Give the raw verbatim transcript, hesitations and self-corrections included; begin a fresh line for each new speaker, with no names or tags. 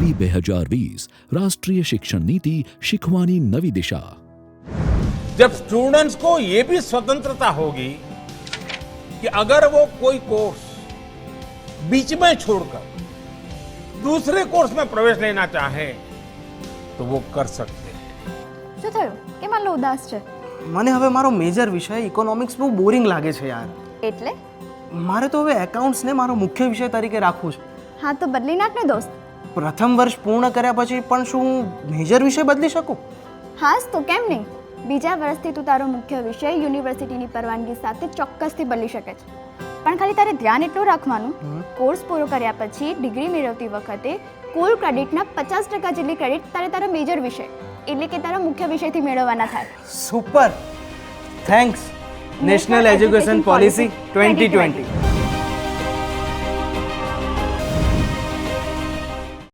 નીતિ બે હજાર વીસ રાષ્ટ્રીય શિક્ષણ નીતિ શીખવાની નવી દિશા।
जब स्टूडेंट्स को ये भी स्वतंत्रता होगी कि अगर वो कोई कोर्स बीच में छोड़कर दूसरे कोर्स में प्रवेश लेना चाहे तो वो कर सकते हैं।
શું થયું કેમ આટલો ઉદાસ છે?
મને હવે મારો મેજર વિષય ઇકોનોમિક્સ બહુ બોરિંગ લાગે છે યાર।
એટલે
મારે તો હવે એકાઉન્ટ્સને મારો મુખ્ય વિષય તરીકે રાખવું છે।
હા તો બદલી નાખ ને દોસ્ત।
પ્રથમ વર્ષ પૂર્ણ કર્યા પછી પણ શું હું મેજર વિષય બદલી શકું?
હાસ તો કેમ નહીં? બીજા વર્ષથી તું તારો મુખ્ય વિષય યુનિવર્સિટીની પરવાનગી સાથે ચોક્કસથી બદલી શકે છે। પણ ખાલી તારે ધ્યાન એટલું રાખવાનું, કોર્સ પૂરો કર્યા પછી ડિગ્રી મેળવતી વખતે કુલ ક્રેડિટના પચાસ ટકા જેટલી ક્રેડિટ તારે તારો મેજર વિષય એટલે કે તારા મુખ્ય વિષયથી મેળવવાના થાય।
Super, thanks national education policy twenty twenty.